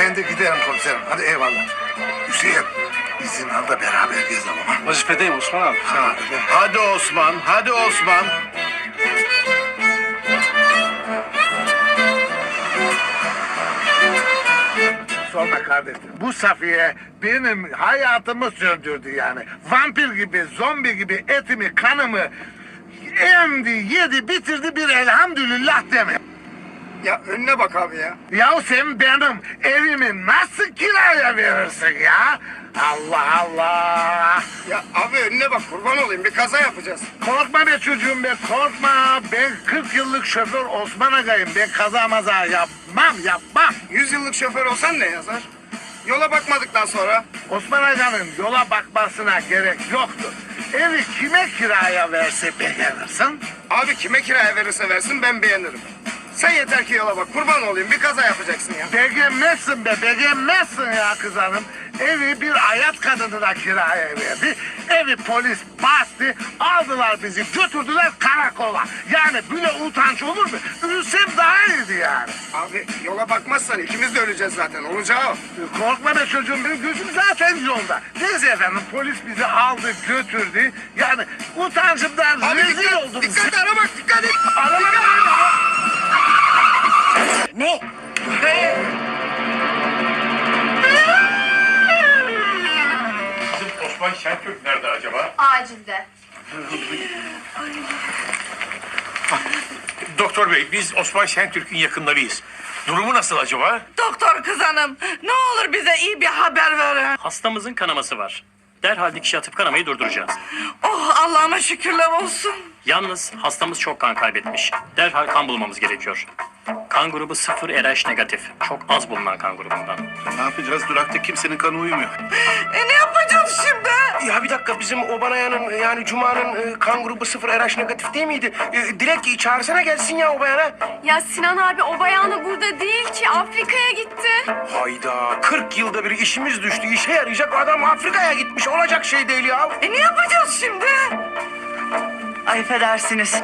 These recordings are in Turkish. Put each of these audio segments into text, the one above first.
ben de giderim komiserim. Hadi eyvallah. Hüseyin izin al da beraber gezelim ha. Vazifedeyim Osman abi. Ha, Hadi Osman, hadi Osman. Sorma kardeşim. Bu Safiye benim hayatımı söndürdü yani. Vampir gibi, zombi gibi etimi, kanımı emdi, yedi, bitirdi bir elhamdülillah deme. Ya önüne bak abi ya. Ya sen benim evimi nasıl kiraya verirsin ya? Allah Allah. Ya abi önüne bak kurban olayım bir kaza yapacağız. Korkma be çocuğum be, korkma. Ben 40 yıllık şoför Osman Aga'yım. Ben kaza maza yapmam. 100 yıllık şoför olsan ne yazar? Yola bakmadıktan sonra. Osman Aga'nın yola bakmasına gerek yoktur. Evi kime kiraya verse beğenirsin? Abi kime kiraya verirse versin ben beğenirim. Sen yeter ki yola bak kurban olayım bir kaza yapacaksın ya. Beğenmezsin be, beğenmezsin ya kız hanım. Evi bir hayat kadınına kiraya verdi. Evi polis bastı, aldılar bizi, götürdüler karakola. Yani böyle utanç olur mu? Ölsem daha iyiydi yani. Abi yola bakmazsan ikimiz de öleceğiz zaten olacağı o. Korkma be çocuğum, benim gözüm zaten yolda. Neyse efendim, polis bizi aldı, götürdü. Yani utancımdan Abi rezil oldum. dikkat ara bak dikkat et. Araba Ne? Bizim Osman Şentürk nerede acaba? Acilde. Doktor bey, biz Osman Şentürk'ün yakınlarıyız. Durumu nasıl acaba? Doktor kız hanım, ne olur bize iyi bir haber verin. Hastamızın kanaması var. Derhal dikiş atıp kanamayı durduracağız. Oh Allah'ıma şükürler olsun. Yalnız hastamız çok kan kaybetmiş. Derhal kan bulmamız gerekiyor. Kan grubu 0 RH negatif. Çok az bulunan kan grubundan. Ne yapacağız? Durakta kimsenin kanı uymuyor. Ne yapacağız şimdi? Ya bir dakika bizim Obanaya'nın yani Cuma'nın kan grubu 0 RH negatif değil miydi? Dilek çağırsana gelsin ya o bayana. Ya Sinan abi o bayanı burada değil ki Afrika'ya gitti. Hayda 40 yılda bir işimiz düştü. İşe yarayacak adam Afrika'ya gitmiş. Olacak şey değil ya. Ne yapacağız şimdi? Ay affedersiniz.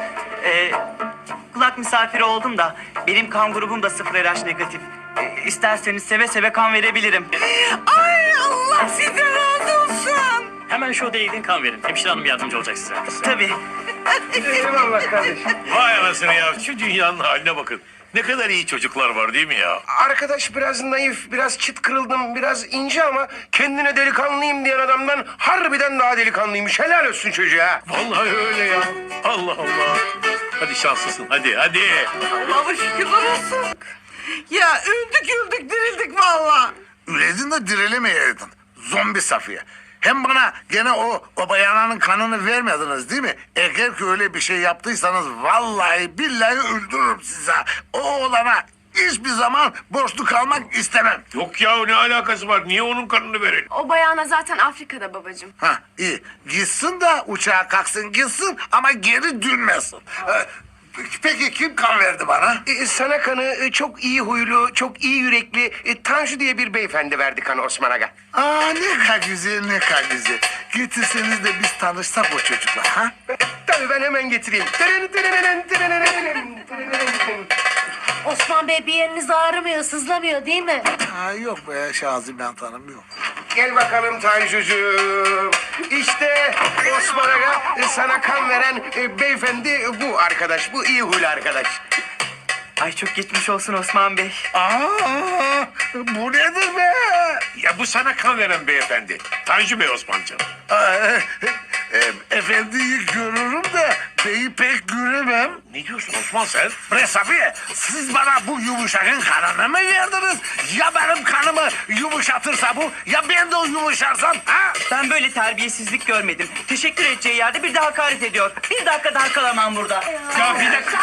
Kulak misafiri oldum da benim kan grubum da 0 RH negatif. İsterseniz seve seve kan verebilirim. Ay Allah size razı olsun. Hemen şu odaya gidin kan verin. Hemşire hanım yardımcı olacak size. Tabii. Eyvallah kardeşim. Vay anasını ya, şu dünyanın haline bakın. Ne kadar iyi çocuklar var değil mi ya? Arkadaş biraz naif, biraz çıt kırıldım, biraz ince ama kendine delikanlıyım diyen adamdan harbiden daha delikanlıymış. Helal olsun çocuğa. Vallahi öyle ya. Allah Allah. Hadi şanslısın, hadi. Allah'ıma şükürler olsun. Ya öldük dirildik vallahi. Üledin de dirilemeyeydin. Zombi Safiye. Hem bana gene o bayananın kanını vermediniz değil mi? Eğer ki öyle bir şey yaptıysanız vallahi billahi öldürürüm size. O oğlana hiçbir zaman borçlu kalmak istemem. Yok ya, ne alakası var? Niye onun kanını verelim? O bayana zaten Afrika'da babacığım. Ha iyi. Gitsin de uçağa kalksın gitsin ama geri dönmesin. Peki kim kan verdi bana? Sana kanı çok iyi huylu, çok iyi yürekli Tanju diye bir beyefendi verdi kanı Osman Aga. Aa ne kadar güzel ne kadar güzel. Getirseniz de biz tanışsak o çocukla ha? Tabii ben hemen getireyim. Osman Bey bir yeriniz ağrımıyor, sızlamıyor değil mi? Ha yok be Şazi ben tanımıyorum. Gel bakalım Tanjucuğum. İşte Osman Aga sana kan veren beyefendi bu arkadaş. Bu iyi huylu arkadaş. Ay çok geçmiş olsun Osman Bey. Aa bu nedir be? Ya bu sana kan veren beyefendi. Tanju Bey Osman'cığım. Efendiyi görürüm de beyi pek göremem. Ne diyorsun Osman sen? Bre Safiye, siz bana bu yumuşakın kanını mı verdiniz? Ya benim kanımı yumuşatırsa bu, ya ben de yumuşarsam ha? Ben böyle terbiyesizlik görmedim. Teşekkür edeceği yerde bir de hakaret ediyor. Bir dakika daha kalamam burada. Ya bir dakika.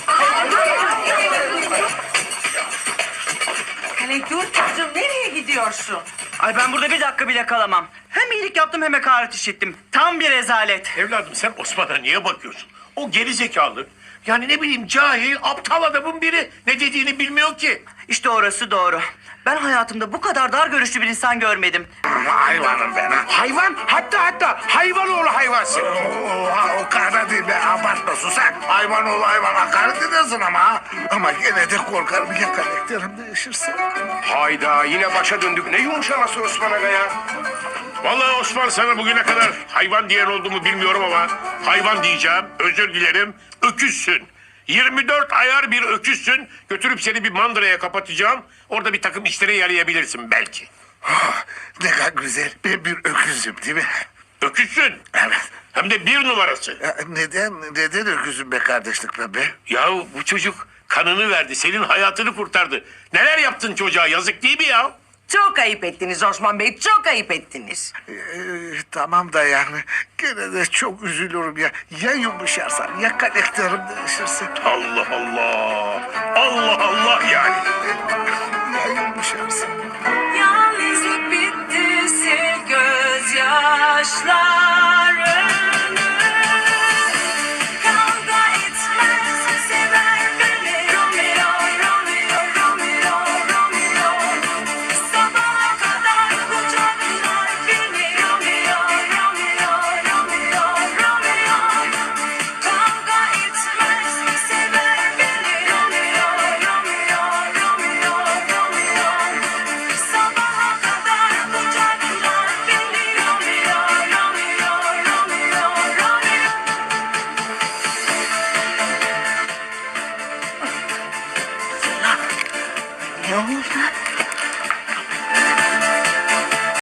Hele dur çocuğum nereye gidiyorsun? Ay ben burada bir dakika bile kalamam. Hem iyilik yaptım hem hakaret işittim. Tam bir rezalet. Evladım sen Osman'a niye bakıyorsun? O geri zekalı. Yani ne bileyim cahil, aptal adamın biri. Ne dediğini bilmiyor ki. İşte orası doğru. Ben hayatımda bu kadar dar görüşlü bir insan görmedim. Hayvanım ben ha. Hayvan, hatta hayvan oğlu hayvansın. Oha, o kadar değil be, abartma susak. Hayvan ol hayvan, hakaret edersin ama ha. Ama gene de korkarım ya karakterim değişirse. Hayda, yine başa döndük. Ne yumuşaması Osman Aga ya? Vallahi Osman, sana bugüne kadar hayvan diyen oldu mu bilmiyorum ama hayvan diyeceğim. Özür dilerim. Öküzsün. 24 ayar bir öküzsün. Götürüp seni bir mandıraya kapatacağım. Orada bir takım işlere yarayabilirsin belki. Ah, ne kadar güzel, ben bir öküzüm değil mi? Öküzsün. Evet. Hem de 1 numarası. Ya neden öküzüm be kardeşlik be? Yahu bu çocuk kanını verdi. Senin hayatını kurtardı. Neler yaptın çocuğa, yazık değil mi ya? Çok ayıp ettiniz Osman Bey, çok ayıp ettiniz. Tamam da yani gene de çok üzülürüm ya. Ya yumuşarsam ya karakterim değişirse. Allah Allah. Allah Allah yani.